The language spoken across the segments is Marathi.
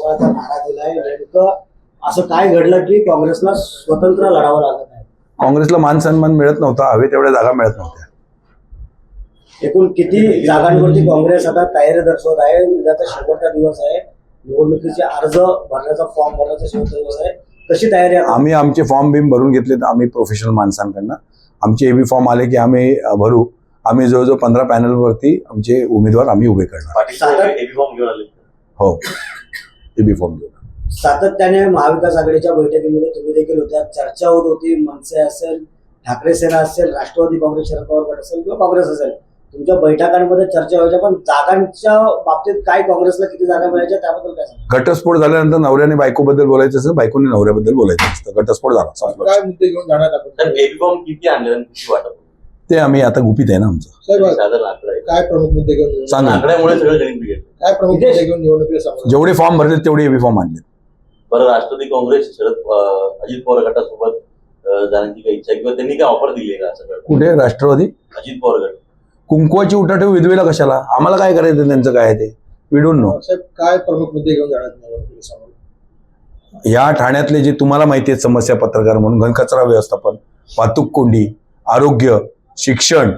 घोषणाचा नारा दिलाय. नेमकं असं काय घडलं की काँग्रेसला स्वतंत्र लढावं लागत आहे? काँग्रेसला मान सन्मान मिळत नव्हता, हवे तेवढ्या जागा मिळत नव्हत्या. एकूण किती जागांवरती काँग्रेस आता तयारी दर्शवत आहे? उद्याचा शेवटचा दिवस आहे, निवडणुकीचे अर्ज भरण्याचा, फॉर्म भरण्याचा शेवटचा दिवस आहे. कशी तयारी आहे? आम्ही आमचे फॉर्म बिम भरून घेतलेत, आम्ही प्रोफेशनल माणसांकडनं. आमचे एबी फॉर्म आले की आम्ही भरू. आम्ही जवळजवळ 15 पॅनलवरती आमचे उमेदवार आम्ही उभे करणार. हो, एबी फॉर्म घेऊन. सातत्याने महाविकास आघाडीच्या बैठकीमध्ये तुम्ही देखील होत्या, चर्चा होत होती. मनसे असेल, ठाकरे सेना असेल, राष्ट्रवादी काँग्रेस, शरद पवार गट असेल किंवा काँग्रेस असेल, तुमच्या बैठकांमध्ये चर्चा व्हायच्या. पण जागांच्या बाबतीत काय काँग्रेसला किती जागा मिळायच्या त्याबद्दल काय सांगा? घटस्फोट झाल्यानंतर नवऱ्याने बायकोबद्दल बोलायचं असतं, बायकोने नवऱ्याबद्दल बोलायचं असतं. घटस्फोट झाला. काय मुद्दे घेऊन जाणार आपण? किती आणले किती वाटत ते आम्ही आता गुपित आहे ना आमचं. काय प्रमुख मुद्दे घेऊन सांगा. आकड्यामुळे सगळं गणित बिघडलं. काय प्रमुख मुद्दे घेऊन निवडणुकीला सामोरं? जेवढे फॉर्म भरले तेवढे एबी फॉर्म आणले. बरं, राष्ट्रवादी काँग्रेस अजित पवार गटासोबत जाण्याची काही इच्छा किंवा त्यांनी काय ऑफर दिली आहे का? सगळं कुठे राष्ट्रवादी? अजित पवार गट कुंकवाची उठाठेव विधवेला कशाला? आम्हाला काय करायचं त्यांचं काय आहे ते? We don't know. साहेब, काय प्रमुख मुद्दे घेऊन जाणार निवडणुकीला सामोरं? या ठाण्यातले जे तुम्हाला माहिती आहेत समस्या, पत्रकार म्हणून घनकचरा व्यवस्थापन, वाहतूक कोंडी, आरोग्य, शिक्षण,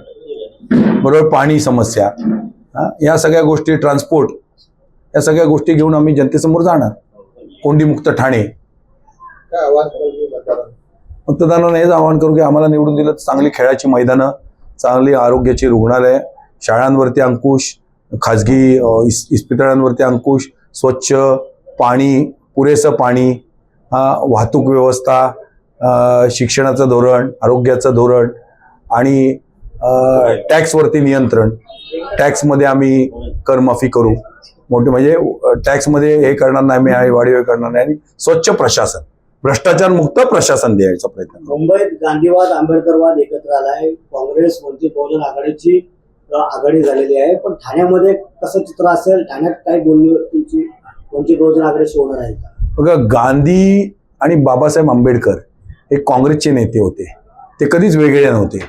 बरोबर पाणी समस्या, या सगळ्या गोष्टी, ट्रान्सपोर्ट, या सगळ्या गोष्टी घेऊन आम्ही जनतेसमोर जाणार. कोंडीमुक्त ठाणे. काय आव्हान कराल तुम्ही मतदारांना? मतदारांना हेच आवाहन करू की आम्हाला निवडून दिलं तर चांगली खेळाची मैदानं, चांगली आरोग्याची रुग्णालय, शाळांवरती अंकुश, खाजगी इस्पितळांवरती अंकुश, स्वच्छ पाणी, पुरेसं पाणी, वाहतूक व्यवस्था, शिक्षणाचं धोरण, आरोग्याचं धोरण आणि टॅक्सवरती नियंत्रण. टॅक्समध्ये आम्ही करमाफी करू, मोठे म्हणजे टॅक्समध्ये हे करणार नाही, आम्ही वाढीव करणार नाही. आणि स्वच्छ प्रशासन, भ्रष्टाचार मुक्त प्रशासन द्यायचा प्रयत्न. मुंबईत गांधीवाद, आंबेडकरवाद एकत्र आलाय. काँग्रेस, वंचित बहुजन आघाडीची आघाडी झालेली आहे. पण ठाण्यामध्ये कसं चित्र असेल? ठाण्यात काय बोलणी तुमची वंचित बहुजन आघाडीशी होणार आहे का? बघा, गांधी आणि बाबासाहेब आंबेडकर हे काँग्रेसचे नेते होते. ते कधीच वेगळे नव्हते,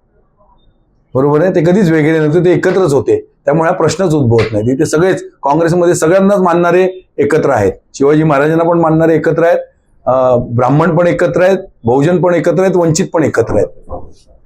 बरोबर आहे? ते कधीच वेगळे नव्हते, ते एकत्रच होते. त्यामुळे हा प्रश्नच उद्भवत नाही. ते सगळेच काँग्रेसमध्ये सगळ्यांनाच मानणारे एकत्र आहेत. शिवाजी महाराजांना पण मानणारे एकत्र आहेत, ब्राह्मण पण एकत्र आहेत, बहुजन पण एकत्र आहेत, वंचित पण एकत्र आहेत.